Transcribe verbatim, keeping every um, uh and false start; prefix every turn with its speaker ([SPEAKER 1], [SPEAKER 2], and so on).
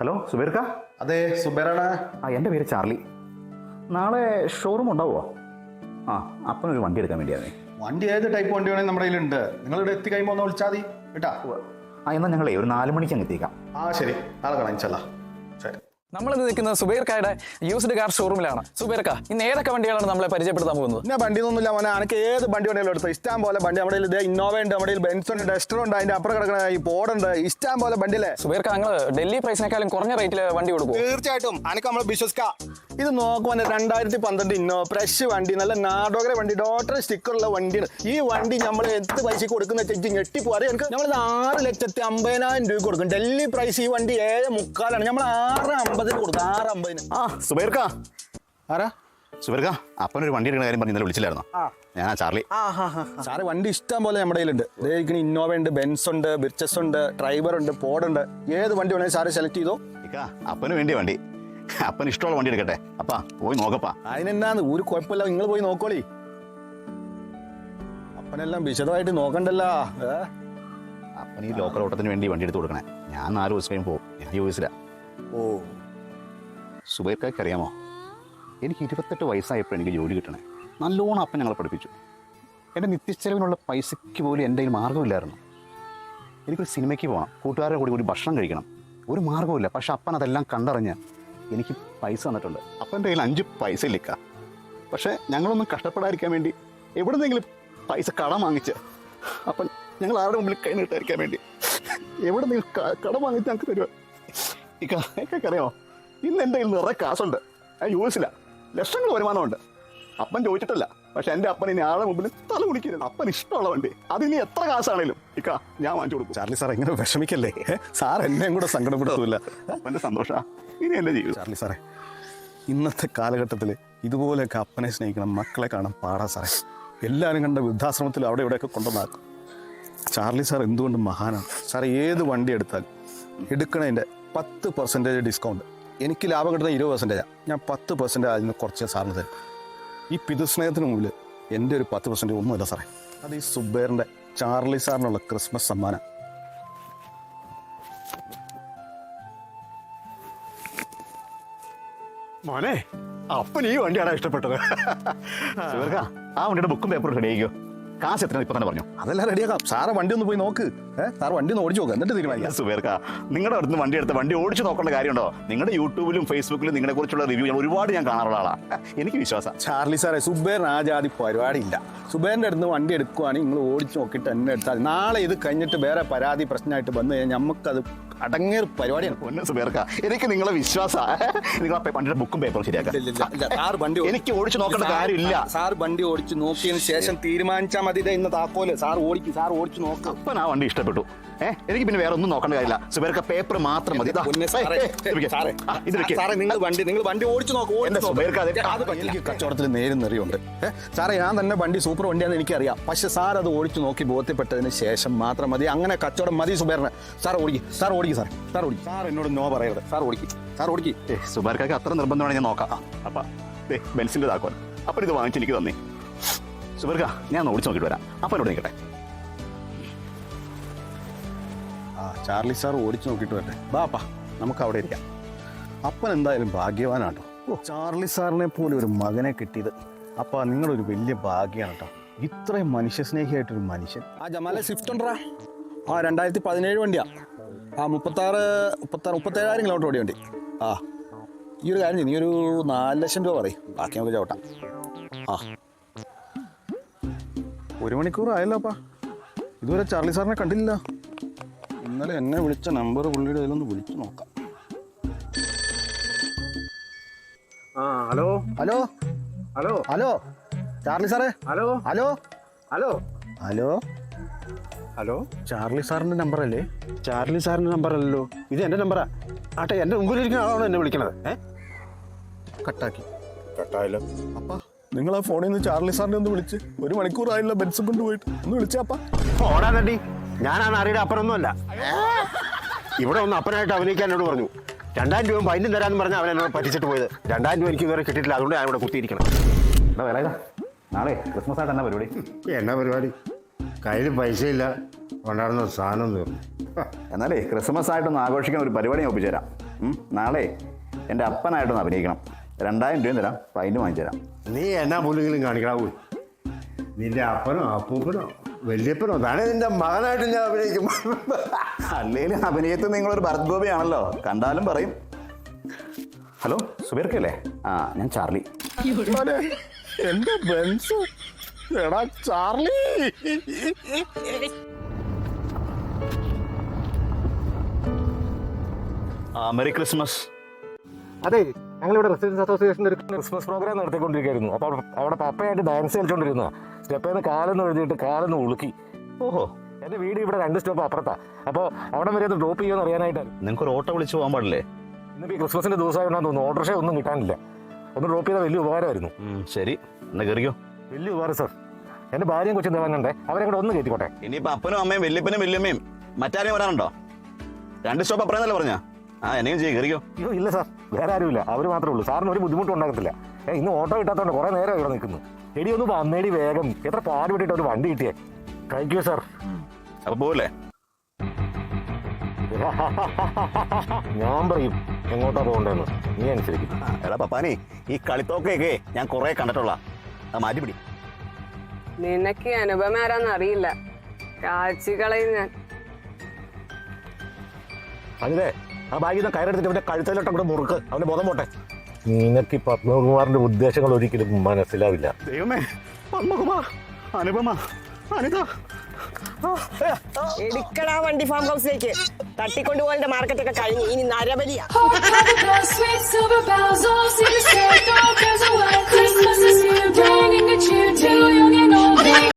[SPEAKER 1] Hello സുബൈർക്ക?
[SPEAKER 2] അതെ സുബൈറാണ്.
[SPEAKER 1] ആ എൻ്റെ പേര് ചാർലി. നാളെ ഷോറൂം ഉണ്ടാവുമോ? ആ അപ്പനൊരു വണ്ടി എടുക്കാൻ വേണ്ടിയാണേ.
[SPEAKER 2] വണ്ടി ഏത് ടൈപ്പ് വണ്ടി വേണമെങ്കിൽ നമ്മുടെ കയ്യിലുണ്ട്. നിങ്ങളിവിടെ എത്തി കഴിയുമ്പോൾ ഒന്ന് വിളിച്ചാൽ മതി കേട്ടാ.
[SPEAKER 1] ആ എന്നാൽ ഞങ്ങളേ ഒരു നാല് മണിക്ക് അങ്ങ് എത്തിക്കാം.
[SPEAKER 2] ആ ശരി, നാളെ കാണാം ഇൻഷാല്ലാ. ശരി.
[SPEAKER 3] നമ്മളിന്ന് നിൽക്കുന്നത് സുബൈർക്കായുടെ യൂസ്ഡ് കാർ ഷോറൂമിലാണ്. സുബൈർക്ക, ഇന്ന് ഏതൊക്കെ വണ്ടികളാണ് നമ്മളെ പരിചയപ്പെടുത്താൻ പോകുന്നത്?
[SPEAKER 2] പിന്നെ വണ്ടി ഒന്നുമില്ല മോനെ, എനിക്ക് ഏത് വണ്ടി വേണമെങ്കിലും എടുത്തു. ഇഷ്ടം പോലെ വണ്ടി നമ്മുടെ ഇത് ഇന്നോവ ഉണ്ട്, നമ്മുടെ ബെൻസ് ഉണ്ട്, ഡസ്റ്റർ ഉണ്ട്, അതിന്റെ അപ്പുറം കിടക്കുന്ന ഈ പോഡുണ്ട്, ഇഷ്ടം പോലെ വണ്ടിയില്ലേ.
[SPEAKER 3] സുബൈർക്ക, നിങ്ങൾ ഡൽഹി പ്രൈസിനേക്കാളും കുറഞ്ഞ റേറ്റിൽ വണ്ടി കൊടുക്കും?
[SPEAKER 2] തീർച്ചയായിട്ടും എനിക്ക് നമ്മൾ വിശ്വസിക്കാം. ഇത് നോക്കുമ്പോൾ രണ്ടായിരത്തി പന്ത്രണ്ട് ഇന്നോവ ഫ്രഷ് വണ്ടി, നല്ല നാടോകര വണ്ടി, ഡോട്ടർ സ്റ്റിക്കറുള്ള വണ്ടിയാണ്. ഈ വണ്ടി നമ്മൾ എന്ത് പൈസക്ക് കൊടുക്കുന്ന വെച്ചാൽ ഞെട്ടിപ്പോ അറിയാം. എനിക്ക് നമ്മൾ ആറ് ലക്ഷത്തി അമ്പതിനായിരം രൂപ കൊടുക്കും. ഡൽഹി പ്രൈസ് ഈ വണ്ടി ഏഴ് മുക്കാലാണ്, നമ്മൾ ആറ് അമ്പതിന് കൊടുക്കും. ആറ് അമ്പതിന്.
[SPEAKER 1] ആ സുബൈർക്ക,
[SPEAKER 2] ആരാ?
[SPEAKER 1] സുബൈർക്ക, അപ്പനൊരു വണ്ടി എടുക്കുന്ന കാര്യം പറഞ്ഞ് ഇന്നലെ വിളിച്ചില്ലായിരുന്നോ? ഞാനാ ചാർലി.
[SPEAKER 2] സാറ് വണ്ടി ഇഷ്ടം പോലെ നമ്മുടെ കയ്യിലുണ്ട്. ഇതേക്കിന് ഇന്നോവ ഉണ്ട്, ബെൻസ് ഉണ്ട്, ബിർച്ചസ് ഉണ്ട്, ഡ്രൈവർ ഉണ്ട്, പോഡുണ്ട്. ഏത് വണ്ടി വേണമെങ്കിൽ സാറ് സെലക്ട് ചെയ്തോ.
[SPEAKER 1] അപ്പന് വേണ്ടിയ വണ്ടി, അപ്പന് ഇഷ്ടമുള്ള വണ്ടി എടുക്കട്ടെ. അപ്പാ പോയി നോക്കപ്പാ.
[SPEAKER 2] അതിനെന്നാന്ന് ഒരു കുഴപ്പമില്ല, നിങ്ങൾ പോയി നോക്കോളി. അപ്പനെല്ലാം വിശദമായിട്ട് നോക്കണ്ടല്ലോ.
[SPEAKER 1] അപ്പന് ഈ ലോക്കൽ ഓട്ടത്തിന് വേണ്ടി വണ്ടി എടുത്ത് കൊടുക്കണേ. ഞാൻ നാല് ദിവസം കഴിയും പോകും. ഞാൻ യു എസിലാ.
[SPEAKER 2] ഓ,
[SPEAKER 1] സുബൈർക്കാർക്ക് അറിയാമോ, എനിക്ക് ഇരുപത്തെട്ട് വയസ്സായപ്പോൾ എനിക്ക് ജോലി കിട്ടണേ. നല്ലോണം അപ്പൻ ഞങ്ങളെ പഠിപ്പിച്ചു. എൻ്റെ നിത്യച്ചെലവിനുള്ള പൈസയ്ക്ക് പോലും എൻ്റെ കയ്യിൽ മാർഗ്ഗമില്ലായിരുന്നു. എനിക്കൊരു സിനിമയ്ക്ക് പോകണം, കൂട്ടുകാരുടെ കൂടി കൂടി ഭക്ഷണം കഴിക്കണം, ഒരു മാർഗ്ഗമില്ല. പക്ഷെ അപ്പൻ അതെല്ലാം കണ്ടറിഞ്ഞ് എനിക്ക് പൈസ തന്നിട്ടുണ്ട്. അപ്പൻ്റെ കയ്യിൽ അഞ്ച് പൈസ ഇല്ലിക്ക. പക്ഷേ ഞങ്ങളൊന്നും കഷ്ടപ്പെടാതിരിക്കാൻ വേണ്ടി എവിടെന്നെങ്കിലും പൈസ കടം വാങ്ങിച്ച് അപ്പം ഞങ്ങൾ ആരുടെ മുമ്പിൽ കൈ നീട്ടാതിരിക്കാൻ വേണ്ടി എവിടെന്നെങ്കിലും കടം വാങ്ങിച്ച് ഞങ്ങൾക്ക് തരുക. ഇക്ക എനിക്കൊക്കെ അറിയാമോ, ഇന്ന് എൻ്റെ കയ്യിൽ നിറയെ കാശുണ്ട്. ഞാൻ യു എസില, ലക്ഷങ്ങൾ വരുമാനമുണ്ട്. അപ്പൻ ചോദിച്ചിട്ടില്ല. പക്ഷെ എൻ്റെ അപ്പൻ ഇനി ആളുടെ മുമ്പിൽ തല കുടിക്കരുത്. അപ്പൻ ഇഷ്ടമുള്ള വണ്ടി അതിനി എത്ര കാശാണേലും ഇക്ക ഞാൻ വാങ്ങിച്ചു കൊടുക്കും.
[SPEAKER 2] ചാർലി സാർ എങ്ങനെ വിഷമിക്കല്ലേ. സാർ എന്നെയും കൂടെ സങ്കടപ്പെടുത്തില്ല.
[SPEAKER 1] അപ്പൻ്റെ സന്തോഷമാണ് ഇനി എൻ്റെ ജീവിതം.
[SPEAKER 2] ചാർലി സാറേ, ഇന്നത്തെ കാലഘട്ടത്തിൽ ഇതുപോലെയൊക്കെ അപ്പനെ സ്നേഹിക്കണം, മക്കളെ കാണാൻ പാടാ സാറേ. എല്ലാവരും കണ്ട വൃദ്ധാശ്രമത്തിൽ അവിടെ ഇവിടെയൊക്കെ കൊണ്ടുവന്നാക്കും. ചാർലി സാർ എന്തുകൊണ്ട് മഹാനാണ്. സാർ ഏത് വണ്ടി എടുത്താലും എടുക്കണതിൻ്റെ പത്ത് പെർസെൻറ്റേജ് ഡിസ്കൗണ്ട്. എനിക്ക് ലാഭം കിട്ടുന്ന ഇരുപത് പെർസെൻറ്റേജാണ്. ഞാൻ പത്ത് പെർസെൻറ്റേജ് അതിന് കുറച്ച് സാറിന് തരും. ഈ പിതൃസ്നേഹത്തിന് മുമ്പിൽ എൻ്റെ ഒരു പത്ത് പെർസെൻറ്റേജ് ഒന്നുമില്ല സാറേ. അത് ഈ സുബൈറിൻ്റെ ചാർലി സാറിനുള്ള ക്രിസ്മസ് സമ്മാനം.
[SPEAKER 1] മോനെ, അപ്പൻ ഈ വണ്ടിയാണ് ഇഷ്ടപ്പെട്ടത്. ആ വണ്ടിയുടെ ബുക്കും പേപ്പറും റെഡി ആയിക്കോ. കാശ് എത്ര ഇപ്പൊ തന്നെ പറഞ്ഞു?
[SPEAKER 2] അതെല്ലാം റെഡിയാക്കാം. സാറെ വണ്ടി ഒന്ന് പോയി നോക്ക്. ഏഹ് സാർ വണ്ടി ഒന്ന് ഓടിച്ചു നോക്കുക, എന്നിട്ട് തീരുമാനിക്കാം.
[SPEAKER 1] സുബൈർക്ക, നിങ്ങളുടെ അടുത്ത് വണ്ടി എടുത്ത് വണ്ടി ഓടിച്ചു നോക്കേണ്ട കാര്യമുണ്ടോ? നിങ്ങളുടെ യൂട്യൂബിലും ഫേസ്ബുക്കിലും നിങ്ങളെ കുറിച്ചുള്ള റിവ്യൂ ഒരുപാട് ഞാൻ കാണാറുള്ള ആളാണ്. എനിക്ക് വിശ്വാസം.
[SPEAKER 2] ചാർലി സാറേ, സുബൈറിന് ആ ജാതി പരിപാടിയില്ല. സുബൈറിൻ്റെ അടുത്ത് വണ്ടി എടുക്കുവാണെങ്കിൽ നിങ്ങൾ ഓടിച്ചു നോക്കിയിട്ട് എന്നെ എടുത്താൽ നാളെ ഇത് കഴിഞ്ഞിട്ട് വേറെ പരാതി പ്രശ്നമായിട്ട് വന്നു കഴിഞ്ഞാൽ നമുക്കത് അടങ്ങിയ പരിപാടിയാണ്.
[SPEAKER 1] പൊന്നു സുബൈർക്ക, എനിക്ക് നിങ്ങളെ വിശ്വാസമാണ്. നിങ്ങൾ വണ്ടിയുടെ ബുക്കും പേപ്പറും ശരിയാക്കാം.
[SPEAKER 2] സാർ വണ്ടി
[SPEAKER 1] എനിക്ക് ഓടിച്ചു നോക്കേണ്ട കാര്യമില്ല.
[SPEAKER 2] സാർ വണ്ടി ഓടിച്ചു നോക്കിയതിന് ശേഷം തീരുമാനിച്ചാൽ മതി. ഇന്ന് താക്കോല് സാർ ഓടിക്കും, സാർ ഓടിച്ചു നോക്കാം.
[SPEAKER 1] അപ്പൻ ആ വണ്ടി ഇഷ്ടപ്പെട്ടു. ഏഹ് എനിക്ക് പിന്നെ വേറെ ഒന്നും നോക്കേണ്ട കാര്യമില്ല. സുബൈർക്ക പേപ്പർ മാത്രം മതി.
[SPEAKER 2] നിങ്ങൾ വണ്ടി നിങ്ങൾ വണ്ടി ഓടിച്ചു നോക്കും. കച്ചവടത്തിൽ നേരും നെറിയുണ്ട്. സാറേ, ഞാൻ തന്നെ വണ്ടി സൂപ്പർ വണ്ടിയാണെന്ന് എനിക്കറിയാം. പക്ഷെ സാർ അത് ഓടിച്ചു നോക്കി ബോധ്യപ്പെട്ടതിന് ശേഷം മാത്രം മതി. അങ്ങനെ കച്ചവടം മതി സുബൈറിന്. സാർ ഓടിക്കും, സാർ ഓടിക്കും, സാർ സാർ ഓടിക്കും. സാർ എന്നോട് നോ പറയരുത്. സാർ ഓടിക്കും, സാർ ഓടിക്കും.
[SPEAKER 1] ഏ സുബൈർക്കാക്ക് അത്ര നിർബന്ധമാണ്, ഞാൻ നോക്കാം. അപ്പം ബെൻസിൻ്റെ താക്കോൽ അപ്പം ഇത് വാങ്ങിച്ച് എനിക്ക് തന്നേ. സുബൈർക്ക, ഞാൻ ഓടിച്ചു നോക്കിയിട്ട് വരാം. അപ്പം എന്നോട് നിൽക്കട്ടെ.
[SPEAKER 2] ആ ചാർലി സാർ ഓടിച്ചു നോക്കിയിട്ട് വരട്ടെ. ബാപ്പാ, നമുക്ക് അവിടെ ഇരിക്കാം. അപ്പൻ എന്തായാലും ഭാഗ്യവാനാട്ടോ. ഓ, ചാർലി സാറിനെ പോലെ ഒരു മകനെ കിട്ടിയത് അപ്പാ നിങ്ങളൊരു വലിയ ഭാഗ്യമാണ് കേട്ടോ. ഇത്രയും മനുഷ്യസ്നേഹിയായിട്ടൊരു മനുഷ്യൻ. ആ ജമാലെ സ്വിഫ്റ്റ് ഉണ്ടോ? ആ രണ്ടായിരത്തി പതിനേഴ് വണ്ടിയാ. ആ മുപ്പത്താറ് മുപ്പത്താറ് മുപ്പത്തേഴായിരം കിലോമീറ്റർ ഓടിയ വണ്ടി. ആ ഈ ഒരു കാര്യം ചെയ്യും, നീ ഒരു നാല് ലക്ഷം രൂപ പറയും, ബാക്കി നമുക്ക് ചവിട്ടാം. ആ ഒരു മണിക്കൂർ ആയല്ലോ അപ്പാ, ഇതുവരെ ചാർലി സാറിനെ കണ്ടില്ല. ഇന്നലെ എന്നെ വിളിച്ച നമ്പർ പുള്ളിയുടെ കയ്യിലൊന്ന് വിളിച്ചു നോക്കാം.
[SPEAKER 4] ആ hello
[SPEAKER 2] hello
[SPEAKER 4] hello
[SPEAKER 2] hello Charlie സാറേ.
[SPEAKER 4] Hello
[SPEAKER 2] hello
[SPEAKER 4] hello
[SPEAKER 2] hello
[SPEAKER 4] hello
[SPEAKER 2] Charlie സാറിൻ്റെ നമ്പർ അല്ലേ?
[SPEAKER 4] ചാർലി സാറിൻ്റെ നമ്പർ അല്ലല്ലോ, ഇത് എൻ്റെ നമ്പറാ. ആട്ടെ, എൻ്റെ മുമ്പിലിരിക്കുന്ന ആളാണോ എന്നെ വിളിക്കണത്? ഏ
[SPEAKER 2] കട്ടാക്കി.
[SPEAKER 4] കട്ടായല്ലോ.
[SPEAKER 2] അപ്പാ, നിങ്ങൾ ആ ഫോണിൽ നിന്ന് ചാർലി സാറിനെ ഒന്ന് വിളിച്ച്. ഒരു മണിക്കൂറായില്ല ബെൻസും കൊണ്ടുപോയിട്ട്. ഒന്ന് വിളിച്ചാപ്പാ.
[SPEAKER 4] ഓടാ തട്ടി, ഞാൻ ആ നാറിയുടെ അപ്പറൊന്നുമല്ല. ഇവിടെ ഒന്ന് അപ്പനായിട്ട് അഭിനയിക്കാൻ എന്നോട് പറഞ്ഞു. രണ്ടായിരം രൂപ ഫൈനും തരാമെന്ന് പറഞ്ഞാൽ അവൻ എന്നോട് പറ്റിച്ചിട്ട് പോയത്. രണ്ടായിരം രൂപ എനിക്ക് ഇതുവരെ കിട്ടിയിട്ടില്ല, അതുകൊണ്ട് ഞാൻ ഇവിടെ കുത്തിയിരിക്കണം.
[SPEAKER 1] എന്താ വില ഇതാ? നാളെ ക്രിസ്മസ് ആയിട്ട് എന്നാ പരിപാടി?
[SPEAKER 4] എന്നാ പരിപാടി? കയ്യിൽ പൈസ ഇല്ല, കൊണ്ടാടുന്ന സാധനം തീർന്നു.
[SPEAKER 1] എന്നാലേ ക്രിസ്മസ് ആയിട്ടൊന്ന് ആഘോഷിക്കാൻ ഒരു പരിപാടി ഞാൻ ഒപ്പിച്ചു തരാം. ഉം, നാളെ എൻ്റെ അപ്പനായിട്ടൊന്ന് അഭിനയിക്കണം. രണ്ടായിരം രൂപയും തരാം, ഫൈനും വാങ്ങിച്ചു തരാം.
[SPEAKER 4] നീ എന്നാ പുല്ലെങ്കിലും കാണിക്കണാവൂ. നിന്റെ അപ്പനോ അപ്പൂപ്പനോ വല്യപ്പനോ താനേ നിന്റെ മകനായിട്ട് ഞാൻ അഭിനയിക്കും.
[SPEAKER 1] അല്ലേലും അഭിനയത്തിൽ നിങ്ങളൊരു ഭരത് ഗോപിയാണല്ലോ, കണ്ടാലും പറയും. ഹലോ, സുബീർക്കല്ലേ? ആ, ഞാൻ ചാർലി.
[SPEAKER 2] എന്റെ ബെൻസ്, എടാ ചാർലി.
[SPEAKER 1] ആ, മെറി ക്രിസ്മസ്.
[SPEAKER 5] അതെ, ഞങ്ങളിവിടെ റെസിഡൻസ് അസോസിയേഷൻ്റെ ഒരു ക്രിസ്മസ് പ്രോഗ്രാം നടത്തിക്കൊണ്ടിരിക്കുകയായിരുന്നു. അപ്പോൾ അവിടെ പപ്പയായിട്ട് ഡാൻസ് കളിച്ചോണ്ടിരുന്ന സ്റ്റെപ്പേന്ന് കാലെന്ന് എഴുതിയിട്ട് കാലെന്ന് ഉളുക്കി.
[SPEAKER 1] ഓഹോ,
[SPEAKER 5] എൻ്റെ വീട് ഇവിടെ രണ്ട് സ്റ്റെപ്പ് അപ്പുറത്താ. അപ്പോൾ അവിടെ വരെ ഒന്ന് ഡ്രോപ്പ് ചെയ്യുമെന്ന് അറിയാനായിട്ടാണ്.
[SPEAKER 1] നിങ്ങൾക്കൊരു ഓട്ടോ വിളിച്ച് പോകാൻ പാടില്ലേ?
[SPEAKER 5] ഇന്നിപ്പോൾ ഈ ക്രിസ്മസിൻ്റെ ദിവസമായിട്ടുണ്ടെന്ന് തോന്നുന്നു. ഓട്ടോറിക്ഷ ഒന്നും കിട്ടാനില്ല. ഒന്ന് ഡ്രോപ്പ് ചെയ്താൽ വലിയ ഉപകാരമായിരുന്നു.
[SPEAKER 1] ഉം, ശരി, എന്നാ കയറിയോ.
[SPEAKER 5] വലിയ ഉപകാരം സാർ. എൻ്റെ ഭാര്യയും കൊച്ചും തേവാനുണ്ടേ, അവരെ കൂടെ ഒന്ന് കയറ്റിക്കോട്ടെ.
[SPEAKER 1] ഇനിയിപ്പോൾ അപ്പനും അമ്മയും വല്യപ്പനും വല്യമ്മയും മറ്റാരെയും വരാനുണ്ടോ? രണ്ട് സ്റ്റോപ്പ് അപ്പുറന്നല്ലേ പറഞ്ഞാ? ആ, എന്നെയും ചെയ്യും, കയറിയോ.
[SPEAKER 5] അയ്യോ ഇല്ല സാർ, വേറെ ആരുമില്ല, അവർ മാത്രമേ ഉള്ളൂ. സാറിന് ഒരു ബുദ്ധിമുട്ടും ഉണ്ടാകത്തില്ല. ഏ ഇന്ന് ഓട്ടോ കിട്ടാത്തതുകൊണ്ട് കുറേ നേരം ഇവിടെ നിൽക്കുന്നു. എടി ഒന്ന് വന്നേടി വേഗം, എത്ര പാട് വിട്ടിട്ട് ഒരു വണ്ടി കിട്ടിയേ. Thank you sir.
[SPEAKER 1] അപ്പൊ പോവല്ലേ?
[SPEAKER 5] ഞാൻ പറയും എങ്ങോട്ടാ പോകണ്ടെന്ന്, നീ അനുസരിക്കും.
[SPEAKER 1] എടാ പപ്പാനി, ഈ കളിത്തോക്കൊക്കെ ഞാൻ കുറെ കണ്ടിട്ടുള്ള, അത് മാറ്റിപ്പിടി.
[SPEAKER 6] നിനക്ക് അനുപമ ആരാന്ന് അറിയില്ല, കാച്ചികളയും ഞാൻ.
[SPEAKER 5] അതിലെ ആ ബാഗിൽ നിന്ന് കയറെടുത്തിട്ട് അവന്റെ കഴുത്തലോട്ട് കൂടെ മുറുക്ക്, അവന്റെ ബോധം പോട്ടെ. നിനക്ക് ഈ പത്മകുമാറിന്റെ ഉദ്ദേശങ്ങൾ ഒരിക്കലും മനസ്സിലാവില്ല.
[SPEAKER 1] ദൈവമേ, പത്മകുമാർ, അനുപമ, അനിത.
[SPEAKER 7] എടുക്കടാ വണ്ടി ഫാം ഹൗസിലേക്ക്. തട്ടിക്കൊണ്ടുപോകേണ്ട മാർക്കറ്റൊക്കെ കഴിഞ്ഞു, ഇനി നരബലിയാ.
[SPEAKER 8] Sweet silver bells all seem to say, don't cares what Christmas is here, bringing a cheer to young and old.